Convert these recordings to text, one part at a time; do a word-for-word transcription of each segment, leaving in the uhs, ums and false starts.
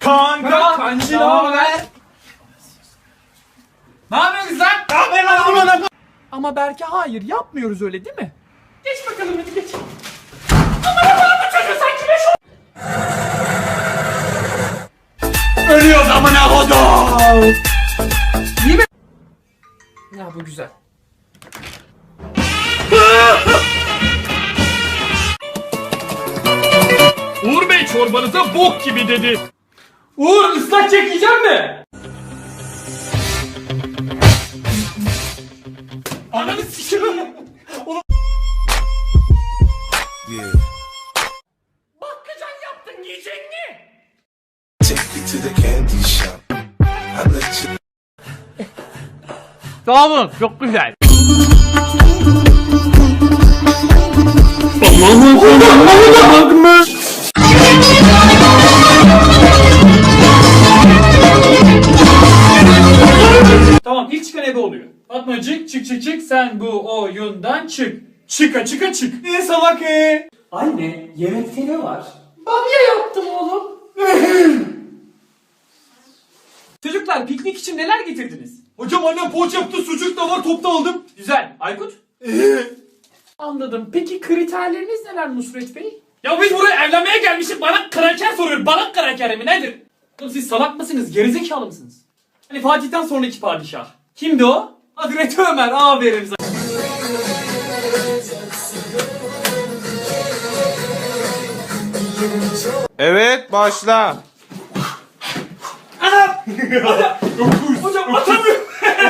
Kanka kancı ne haber? Ne yapıyorsun lan? Ne haber lan lan? Ama Berke hayır yapmıyoruz öyle değil mi? Geç bakalım hadi geç. Aman aman bu çocuğu sanki beş o... Ölüyoruz amına kodum. İyi mi? Ya bu güzel. Uğur Bey çorbanıza bok gibi dedi. Uğur ıslak çekeceğim mi? Ananı sikiyorum. Yeah. Bakkacan yaptın yiyecek mi? Take me to the candy shop. I let you. Sağ olun çok güzel. Tamam ilk çıkan ebe oluyor. Fatmacık çık çık çık sen bu oyundan çık. Çıka çıka çık. Ne salak e? Anne yemekte ne var? Bamya yaptım oğlum. Çocuklar piknik için neler getirdiniz? Hocam annem poğaça yaptı, sucuk da var, topta aldım. Güzel. Aykut? Anladım. Peki kriterleriniz neler Nusret Bey? Ya biz buraya evlenmeye gelmişiz. Bana kraker soruyor. Bana kraker mi nedir? Oğlum siz salak mısınız? Gerizekalı mısınız? Hani Fatih'ten sonraki padişah. Kimdi o? Hazreti Ömer. Aferin sana. Evet başla. Hocam atamıyorum.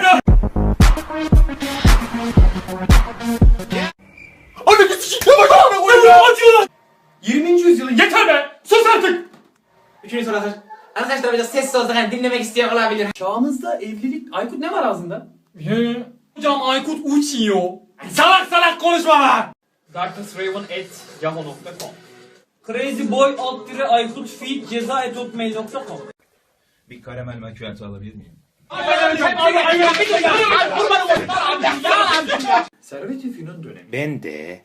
Anne bir sikikle bak abi. Acıyor lan. yirminci yüzyılın yeter be. Sus artık. Üçüncü soru hazır. Arkadaşlar biraz sessiz olsak hani dinlemek isteyen olabilir. Çağımızda evlilik... Aykut ne var ağzında? Hocam Aykut uçuyor. Salak salak konuşma lan. darknessraven at yahoo nokta com Crazyboy alt dire Aykut feed ceza et hotmail nokta com Bir karamel macchiato alabilir miyim? Servet-i Fünun dönemi. Ben de.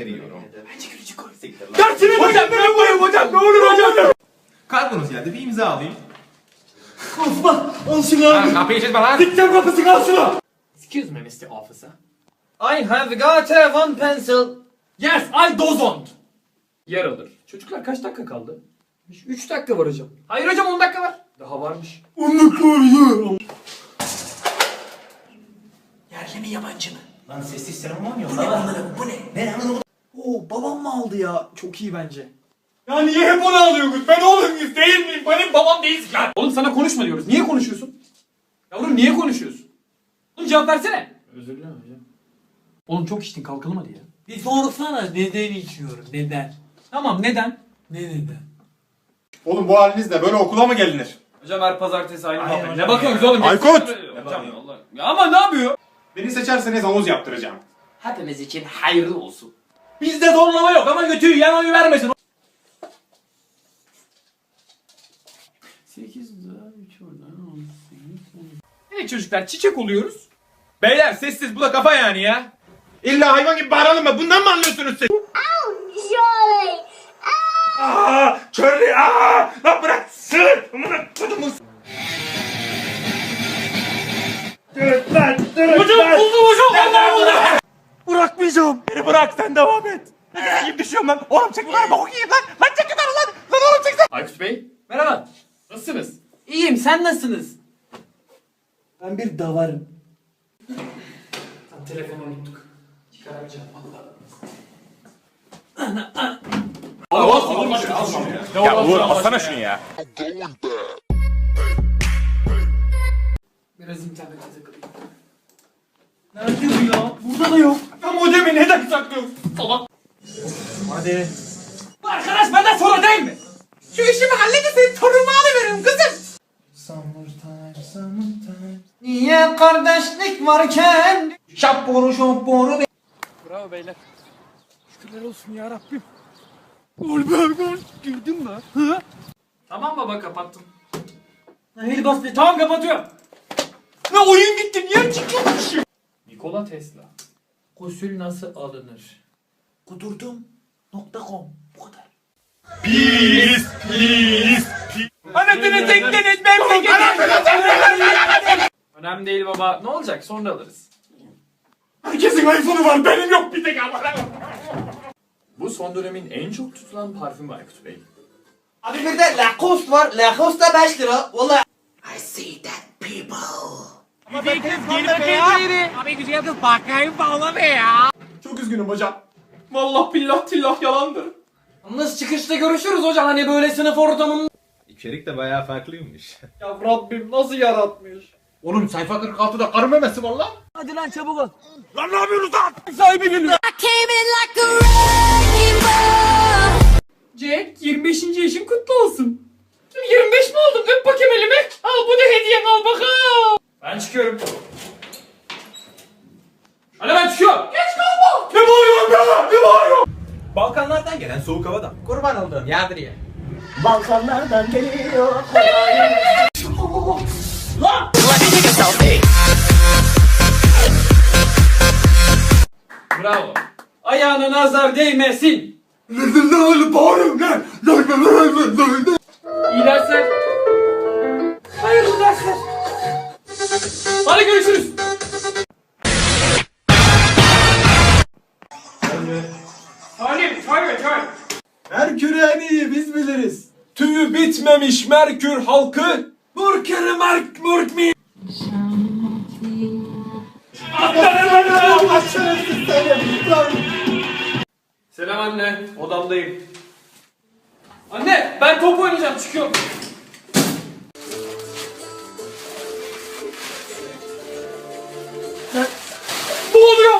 Dersini hocam ben bulayım hocam ne olur hocam. Kargonuz geldi, bir imza alayım. Osman al şunu abi. Kapıyı çizme lan. Dikten kapısı al şunu. Excuse me mister Officer. I have got a one pencil. Yes I don't. Yer alır. Çocuklar kaç dakika kaldı? üç dakika var hocam. Hayır hocam on dakika var. Daha varmış. on dakika var ya. Yerli mi yabancı mı? Lan sessiz selam var mı yok? Bu ne anlarım bu ne? Ne lan? Oo babam mı aldı ya? Çok iyi bence. Ya niye hep onu alıyorsunuz? Ben oğlum muyuz değil miyim? Benim babam değilsin ya. Oğlum sana konuşma diyoruz. Niye konuşuyorsun? Yavrum niye konuşuyorsun? Oğlum cevap versene. Özür dilerim hocam. Oğlum çok içtin kalkalım hadi ya. Bir sorsana neden içiyorum neden? Tamam neden? Ne neden? Oğlum bu halinizle böyle okula mı gelinir? Hocam her pazartesi aynı Aynen muhabbet. hocam Ne bakıyorsunuz oğlum? Aykut! Hocam Allah. Ya ama ne yapıyor? Beni seçerseniz havuz yaptıracağım. Hepimiz için hayırlı olsun. Bizde zorlama yok ama götüyü yan oyu vermesin. sekiz daha üç oradan on sekiz. Evet çocuklar çiçek oluyoruz. Beyler sessiz bu da kafa yani ya. İlla hayvan gibi bağıralım mı? Bundan mı anlıyorsunuz siz? Surely. Aaa! Körlü! Aaa! Lan bırak! Sığır! Amına kodumun! Dur lan! Dur Hocam lan! buldum hocam. Allah Allah. Bırakmayacağım! Beni bırak sen devam et! Ne gibi düşüyorum lan? Oğlum çek yukarı bak okuyayım lan! Lan çek yukarı lan! Lan oğlum çek sen! Aykut Bey merhaba. Nasılsınız? İyiyim sen nasılsınız? Ben bir davarım. Tam telefonu unuttuk. Çıkaramayacağım valla. Ya Uğur alsana şunu ya! Biraz internete takılayım. Nerede bu ya? Burada da yok. Ya modemi neden saklıyorsun? Salak. Hadi! Bu arkadaş benden sonra değil mi? Şu işimi halledin senin torunumu alıveririm kızım. Summertime, summertime. Niye kardeşlik varken? Şapboru şapboru. Bravo beyler. Şükürler olsun ya Rabbim. Gol be gol. Girdin mi? Hı? Tamam baba kapattım. Hadi bas be. Tamam kapatıyorum. Ne oyun gitti niye çıkıyormuşum? Nikola Tesla. Gusül nasıl alınır? Kudurdum nokta com bu kadar. Pis, pis, pis. Anne Götünü tektiniz memleketi. Önemli değil baba. Ne olacak? Sonra alırız. Herkesin iPhone'u var, benim yok bir tek ama. Bu son dönemin en çok tutulan parfümü Aykut Bey. Abi bir de Lacoste var. Lacoste da beş lira. Valla. I see that people. Çok üzgünüm hocam. Vallahi billah tillah yalandır. Yalnız çıkışta görüşürüz hocam. Hani böyle sınıf ortamında. İçerik de bayağı farklıymış. Ya Rabbim nasıl yaratmış? Oğlum sayfa kırk altıda karı memesi var lan. Hadi lan çabuk ol. Lan ne yapıyorsunuz lan? Sahibi geliyor. Jack yirmi beşinci yaşın kutlu olsun. yirmi beş mi oldum? Öp bakayım elimi. Al bu da hediyen al bakalım. Ben çıkıyorum. Hadi ben çıkıyorum. Geç kalma. Ne bağırıyorsun be? Ne bağırıyorsun? Balkanlardan gelen soğuk havadan. Kurban olduğum yardır ya. Balkanlardan geliyor. Bravo. Ayağına nazar değmesin. Ne bağırıyorsun lan? İyi dersler. Hayırlı dersler. Hadi görüşürüz. Halim, çay çay. Merkür en iyi biz biliriz. Tüyü bitmemiş Merkür halkı. Murkeri Merk Murk mi? Selam anne, odamdayım. Anne, ben top oynayacağım, çıkıyorum. Ne oluyor?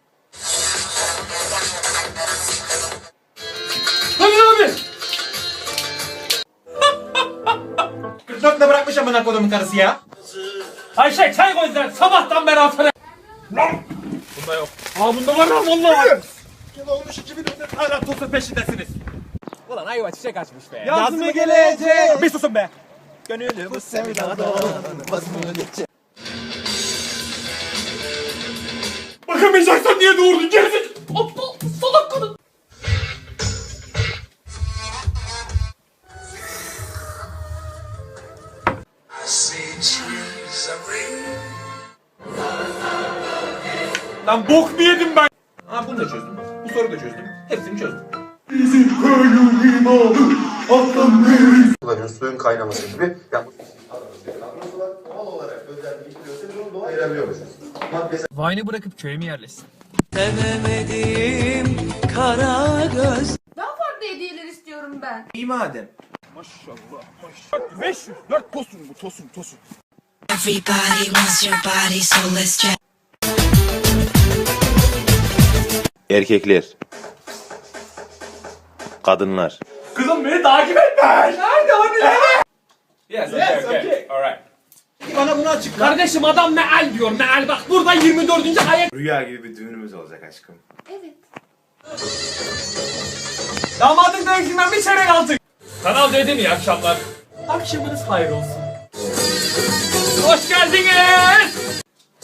Hadi abi. kırk dörtle bırakmış amına kodumun karısı ya. Ayşe çay koy sen, sabahtan beri atarım. Bunda yok. Aa bunda var lan vallahi. Yıl olmuş iki bin önde hala tosun peşindesiniz. Ulan ayva çiçek açmış be. Yaz mı gelecek? Bir susun be. Gönülüm bu sevdadan vazgeçecek. Bakamayacaksan niye doğurdun gerizek? Aptal salak kadın. Lan bok mu yedim ben? Ha bunu da çözdüm. Bu soruyu da çözdüm. Hepsini çözdüm. kullanıyoruz. Suyun kaynaması gibi. Yani bu kavramı var. Doğal olarak özelliği işliyorsa biz onu doğal ayırabiliyoruz. Maddesi Vine'ı bırakıp köye mi yerleşsin? Daha farklı hediyeler istiyorum ben. İyi madem. beş yüz dört tosun bu tosun tosun. Everybody wants your body, so let's check. Erkekler. Kadınlar. Kızım beni takip etme. Nerede hani nerede? Yes, Yes, okay. Alright. Bana bunu açıkla. Kardeşim adam meal diyor meal bak burada yirmi dördüncü ayet. Rüya gibi bir düğünümüz olacak aşkım. Evet. Damadın dövüşünden bir çeyrek aldık. Kanal D'de mi iyi akşamlar? Akşamınız hayır olsun. Hoş geldiniz.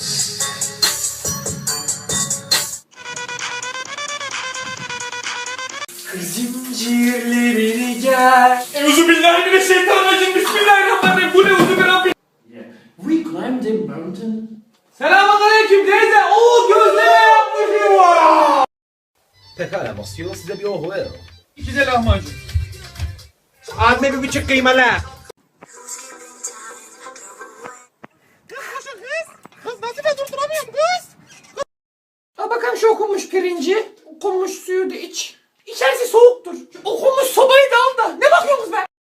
Zincirlerini gel. Euzubillahimineşşeytanirracim. Bismillahirrahmanirrahim. Bu ne uzubillahirrahmanirrahim. We climbed a mountain. Selamünaleyküm teyze. Oo gözleme yapmışım. Pekala Monsieur, size bir ohu ver. İki de lahmacun. Abime bir buçuk kıymalı. Al bakalım şu okunmuş pirinci. Okunmuş suyu da iç. İçerisi soğuktur. Şu okunmuş sobayı da al da. Ne bakıyorsunuz be?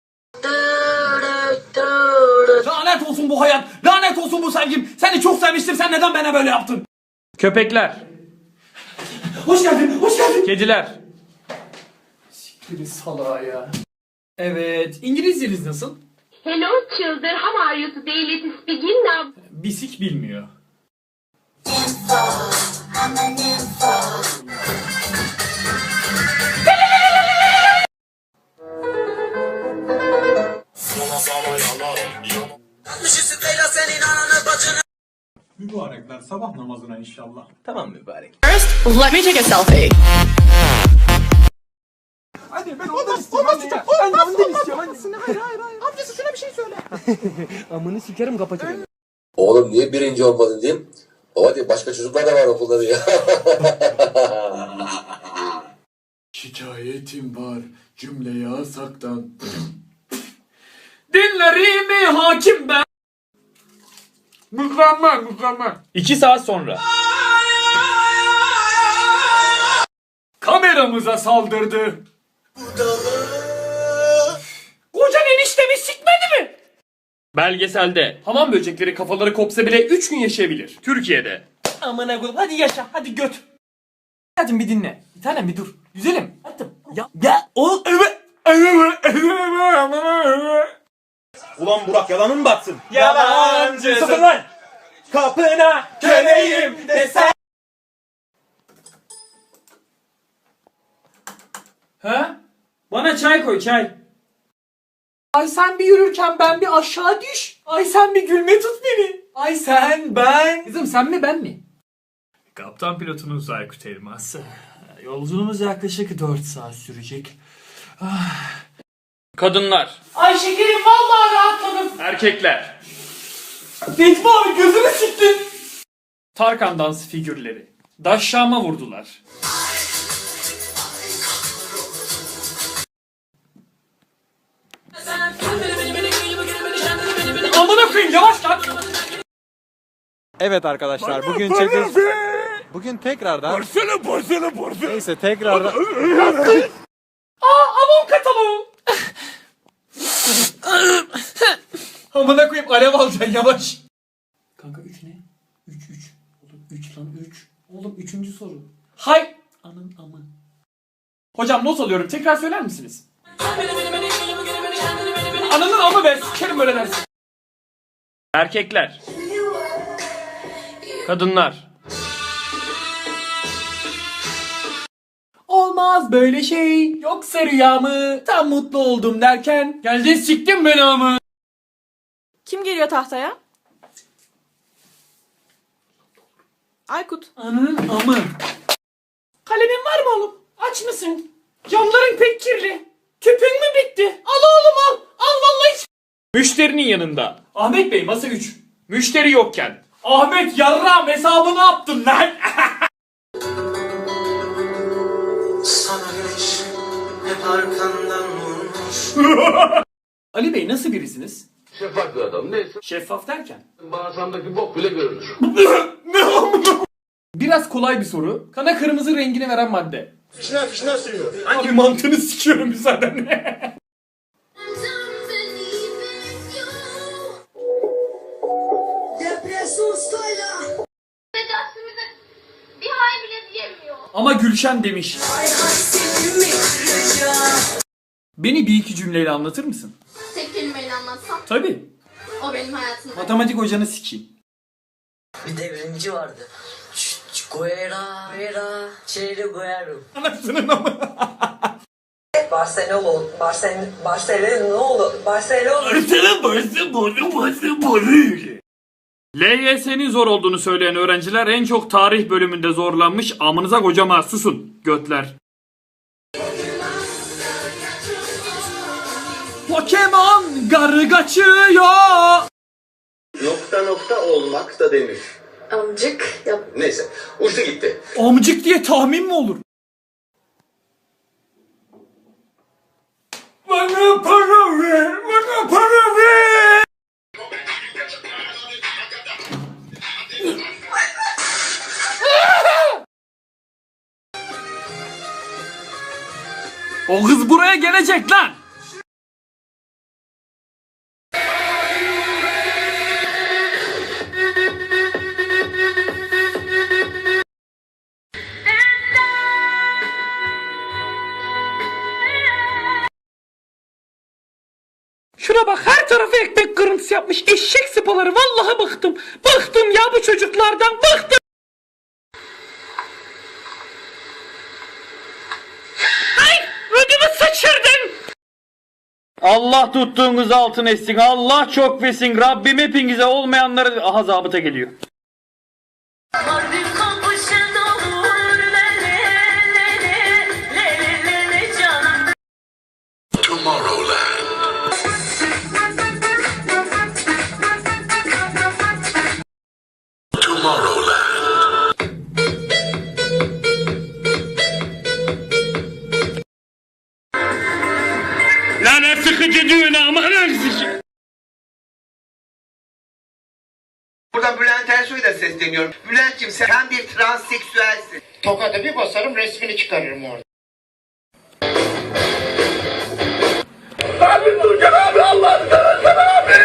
Lanet olsun bu hayat. Lanet olsun bu sevgim. Seni çok sevmiştim. Sen neden bana böyle yaptın? Köpekler. Hoş geldin. Hoş geldin. Kediler. Siktirin salağa ya. Evet. İngilizceniz nasıl? Hello children, how are you today? Let's begin now. Bisik bilmiyor. Mübarekler sabah namazına inşallah. Tamam mübarek. Let me take a selfie. Hadi ben ondan istiyorum. Olmaz olmaz olmaz. Ben ondan istiyorum. Hayır hayır hayır. Amcası şuna bir şey söyle. Amını sikerim kapatırım. Oğlum niye birinci olmadın diyeyim. Baba diye başka çocuklar da var okulda diye. Şikayetim var cümleye asaktan. Dinlerimi hakim ben. Mükemmel mükemmel. İki saat sonra. Kameramıza saldırdı. Kocan eniştemi sikmedi mi? Belgeselde hamam böcekleri kafaları kopsa bile üç gün yaşayabilir. Türkiye'de. Amına koyayım hadi yaşa hadi göt. Hadi bir dinle. Bir tanem bir dur. Güzelim. Hadi. Ya ya o Ulan Burak yalanın batsın. Yalancı. Sıfır lan. Kapına köleyim desen. Ha? Bana çay koy çay. Ay sen bir yürürken ben bir aşağı düş. Ay sen bir gülme tut beni. Ay sen ben. Kızım sen mi ben mi? Kaptan pilotunuz Aykut Elmas. Yolculuğumuz yaklaşık dört saat sürecek. Ah. Kadınlar. Ay şekerim vallahi rahatladım. Erkekler. Necmi abi gözünü siktin. Tarkan dans figürleri. Daşşama vurdular. Amına koyayım yavaş lan. Evet arkadaşlar bugün çekeceğiz. Bugün tekrardan. Porsele porsele porsele. Neyse tekrardan. Aa avon kataloğu. Amına koyayım alev alacaksın yavaş. Kanka üç ne? üç üç. Oğlum üç lan üç. Oğlum üçüncü soru. Hay. Anın amı. Hocam not alıyorum tekrar söyler misiniz? Ananın amı be sikerim öyle dersin. Erkekler. Kadınlar. Olmaz böyle şey. Yoksa rüya mı? Tam mutlu oldum derken. Geldin siktin beni amı. Kim geliyor tahtaya? Aykut. Ananın amı. Kalemin var mı oğlum? Aç mısın? Camların pek kirli. Tüpün mü bitti? Al oğlum al. Al vallahi. Müşterinin yanında. Ahmet Bey masa üç. Müşteri yokken. Ahmet yarram hesabını yaptın lan. Sana güneş hep arkandan vurmuş. Ali Bey nasıl birisiniz? Şeffaf bir adam neyse. Şeffaf derken? Bağırsamdaki bok bile görünür. Biraz kolay bir soru. Kana kırmızı rengini veren madde. Fişner fişner sürüyor. Abi mantığını sikiyorum müsaadenle. Bir hay bile diyemiyor. Ama Gülşen demiş. Beni bir iki cümleyle anlatır mısın? Tek kelimeyle anlatsam Tabii. o benim hayatımda. Matematik hocanı sikeyim. Bir devrimci vardı. Guerra, Guerra, Çeyre Guerra. Anasının ama. Barcelona, Barcelona, Barcelona ne oldu? Barcelona. Barcelona, Barcelona, Barcelona. L Y S'nin zor olduğunu söyleyen öğrenciler en çok tarih bölümünde zorlanmış. Amınıza kocama susun götler. Pokemon garı kaçıyor. Nokta nokta olmak da denir. Amcık yap. Neyse uçtu gitti. Amcık diye tahmin mi olur? Bana para ver, bana para ver. O kız buraya gelecek lan. Şuna bak her tarafı ekmek kırıntısı yapmış eşek sıpaları vallahi bıktım. Bıktım ya bu çocuklardan bıktım. Ay ödümü sıçırdın. Allah tuttuğunuz altın etsin. Allah çok versin. Rabbim hepinize olmayanları aha zabıta geliyor. Tomorrowland. sesleniyorum. Bülent'ciğim sen bir transseksüelsin. Tokadı bir basarım resmini çıkarırım orada. Abi Turcan abi Allah'ını seversen abi.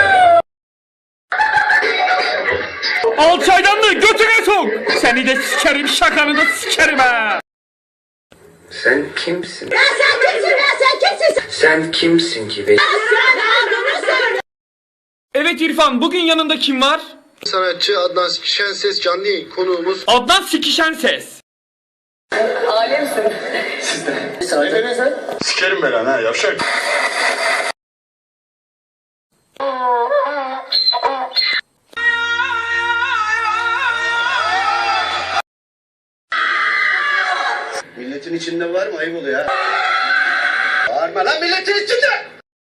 Al çaydanlığı götüne sok. Seni de sikerim şakanı da sikerim ha. Sen kimsin? Ya sen kimsin ya sen kimsin? Sen kimsin ki be? Evet İrfan, bugün yanında kim var? Sanatçı Adnan Şenses canlı yayın konuğumuz. Adnan Sikişen Ses. Alemsin. Sikerim ben lan ha yavşak. Milletin içinde var mı? Ayıp oluyor ya. Bağırma lan milletin içinde!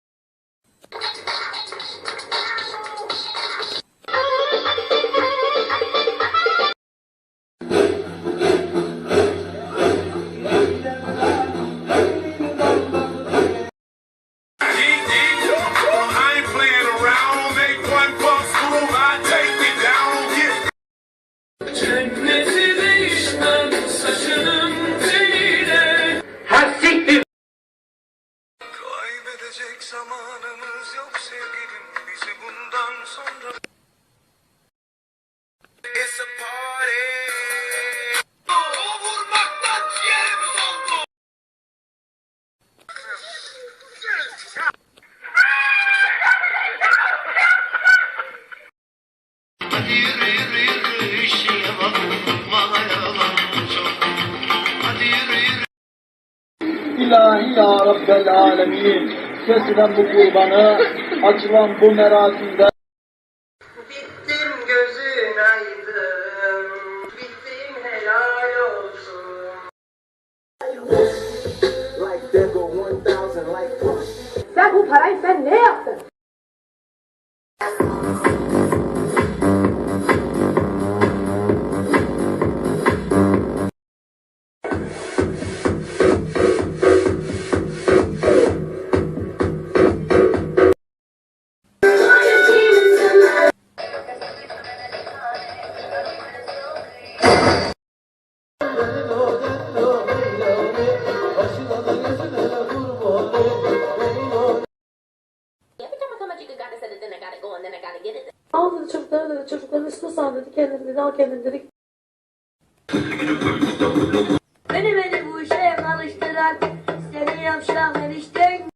Kaybedecek zamanımız yok sevgilim bizi bundan sonra. It's a party. O vurmaktan ciğerimiz oldu. Hadi yürü yürü yürü işine bak. Mahayalan çok. Hadi yürü yürü. İlahi ya Rabbel Alemin, kesilen bu kurbanı, açılan bu merasimde. Bittim gözün aydın. Bittim helal olsun. Sen bu parayı sen ne yaptın? Al dedi çocuklara dedi çocukların üstüne sal dedi kendini dedi al kendini dedi. Beni beni bu işe alıştıran seni yavşak enişten.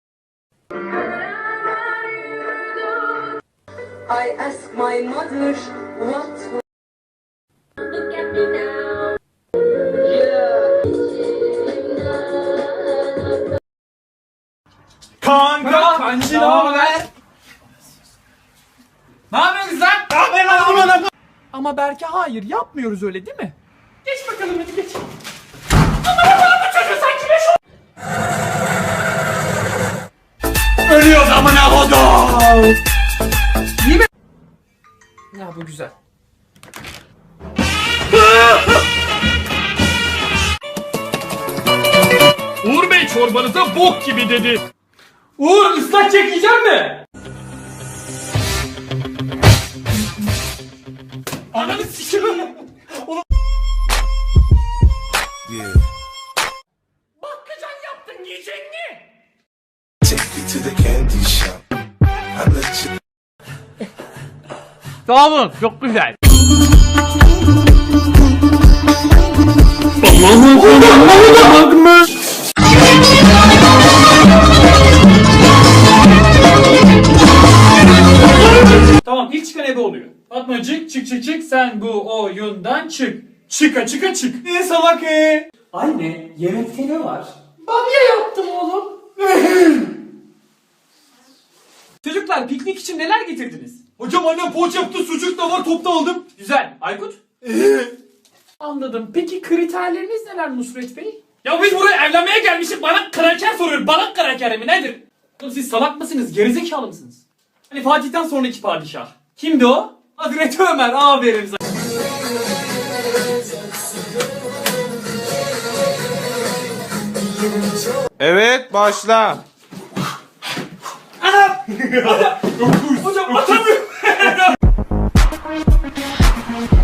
I ask my mother what. Look at me now. Kanka, kancı ne haber? Ne yapıyorsun lan? Ne yapıyorsun lan? Ama Berke hayır yapmıyoruz öyle değil mi? Geç bakalım hadi geç. Aman Allah'ım bu çocuğu sen kime şu... Ölüyoruz amına kodum. İyi mi? Ya bu güzel. Uğur Bey çorbanıza bok gibi dedi. Uğur ıslak çekeceğim mi? Ananı sikiyorum. Oğlum. Yeah. Bakkacan yaptın yiyecek mi? Take you to the candy shop. I let you. Sağ olun çok güzel. Tamam ilk çıkan ebe oluyor. Fatmacık çık çık çık sen bu oyundan çık. Çıka çıka çık. Ne salak e? Anne yemekte ne var? Bamya yaptım oğlum. Çocuklar piknik için neler getirdiniz? Hocam annem poğaça yaptı sucuk da var topta aldım. Güzel. Aykut? Anladım. Peki kriterleriniz neler Nusret Bey? Ya biz buraya evlenmeye gelmişiz. Bana kraker soruyor. Bana kraker mi nedir? Oğlum siz salak mısınız? Gerizekalı mısınız? Hani Fatih'ten sonraki padişah. Kimdi o? Hazreti Ömer. Aferin sana. Evet başla. Hocam atamıyorum.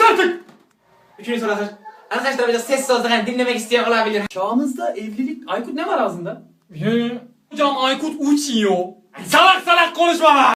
artık. Üçüncü soru hazır. Arkadaşlar biraz sessiz olsak hani dinlemek isteyen olabilir. Çağımızda evlilik... Aykut ne var ağzında? Hocam Aykut uçuyor. Salak salak konuşma lan.